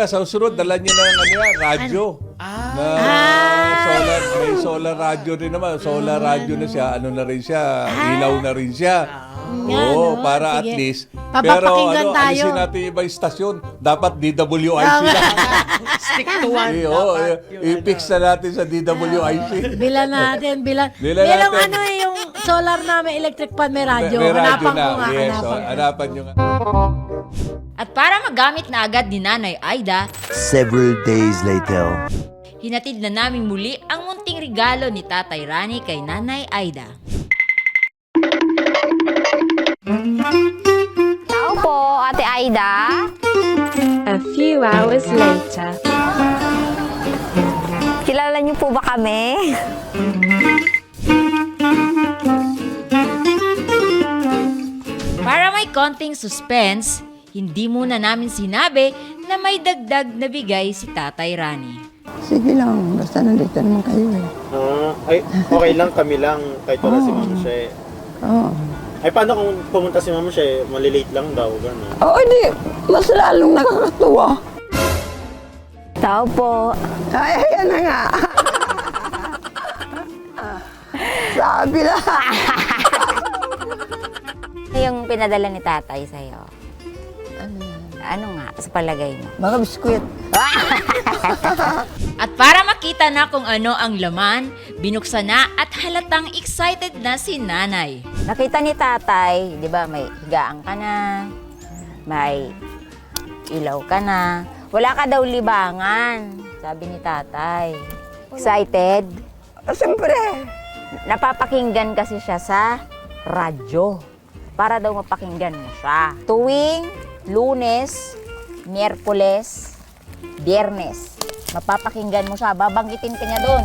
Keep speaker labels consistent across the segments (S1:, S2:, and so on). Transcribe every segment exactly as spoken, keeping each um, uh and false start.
S1: na, sa susunod, dala niyo ng ano yan, radyo.
S2: Ah.
S1: Na solar, may solar radyo rin naman. Solar radyo na siya, ano na rin siya, ilaw na rin siya.
S3: Nga,
S1: Oo,
S3: no?
S1: para at
S3: Sige.
S1: least.
S3: Papapakinggan
S1: Pero ano,
S3: tayo.
S1: alisin natin yung ibang istasyon. Dapat D W I C na.
S2: Stick to one.
S1: Eh, oo,
S2: dapat
S1: eh,
S2: yung
S1: i-fix
S2: ano.
S1: na natin sa D W I C.
S3: Bilan natin, bilan.
S1: Bilan
S3: Bilang
S1: natin.
S3: ano eh, yung solar na may electric fan, may radyo.
S1: May radyo
S3: Hanapan
S1: na.
S3: ko nga,
S1: Yes,
S3: hanapan
S1: oh,
S3: ko.
S1: hanapan nyo nga.
S4: At para magamit na agad ni Nanay Aida,
S5: Several days later.
S4: hinatid na namin muli ang munting regalo ni Tatay Rani kay Nanay Aida.
S6: Tao po, Ate Aida.
S7: A few hours later.
S6: Kilala niyo po ba kami?
S4: Para may konting suspense, hindi muna namin sinabi na may dagdag na bigay si Tatay Rani.
S8: Sige lang, basta nandito naman kayo eh.
S9: Ah, ay, okay lang kami lang kahit wala si Mama She.
S8: Oo.
S9: Ay, paano kung pumunta si Mama She? Malilate lang daw, gano'n.
S8: Oo, di. Mas lalong nakakatuwa.
S6: Tao po.
S8: Ay, ayan na nga. Sabi na.
S6: Yung pinadala ni tatay sa'yo.
S8: Ano yan?
S6: Ano nga, sa palagay mo?
S8: Mga biskwit.
S4: At para makita na kung ano ang laman, binuksan na at halatang excited na si Nanay.
S6: Nakita ni tatay, di ba, may higaan ka na, may ilaw ka na. Wala ka daw libangan, sabi ni tatay. Excited?
S8: Siyempre.
S6: Napapakinggan kasi siya sa radyo. Para daw mapakinggan mo siya. Tuwing Lunes, Miyerkules, Biyernes. Mapapakinggan mo siya. Babanggitin ka niya doon.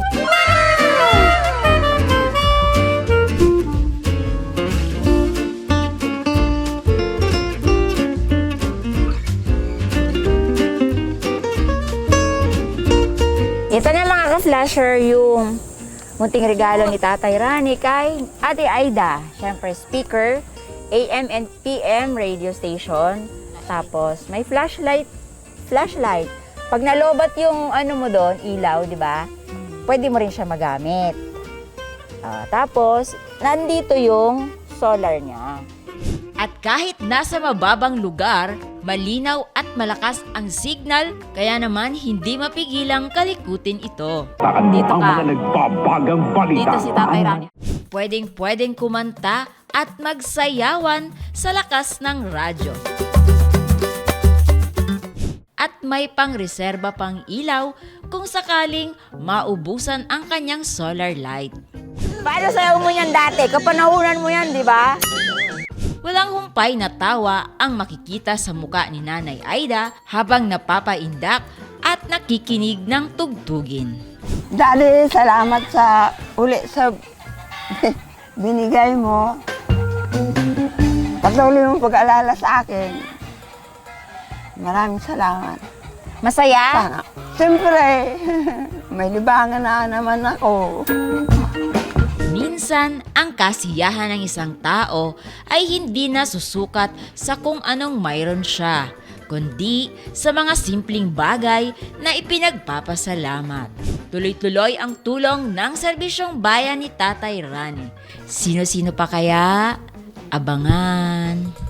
S6: Ito na mga ka-flasher yung munting regalo ni Tatay Rani kay Ate Aida. Siyempre, speaker, A M and P M radio station. Tapos, may flashlight. Flashlight. Pag nalobat yung ano mo doon, ilaw, di ba? Pwede mo rin siya magamit. Ah, tapos, nandito yung solar niya.
S4: At kahit nasa mababang lugar, malinaw at malakas ang signal, kaya naman hindi mapigilang kalikutin ito.
S6: Dito ka. Dito si Tatay Rani.
S4: Pwedeng-pwedeng kumanta at magsayawan sa lakas ng radyo. At may pang-reserba pang ilaw kung sakaling maubusan ang kanyang solar light.
S6: Paano sayaw mo yan dati? Kapanahunan mo yan, di ba?
S4: Walang humpay na tawa ang makikita sa muka ni Nanay Aida habang napapaindak at nakikinig ng tugtugin.
S8: Daddy, salamat sa uli sa binigay mo. Patuloy mong pag-alala sa akin. Maraming salamat.
S6: Masaya?
S8: Sana. Siyempre, may libangan na naman ako.
S4: Minsan, ang kasiyahan ng isang tao ay hindi na susukat sa kung anong mayroon siya, kundi sa mga simpleng bagay na ipinagpapasalamat. Tuloy-tuloy ang tulong ng serbisyong bayan ni Tatay Rani. Sino-sino pa kaya? Abangan!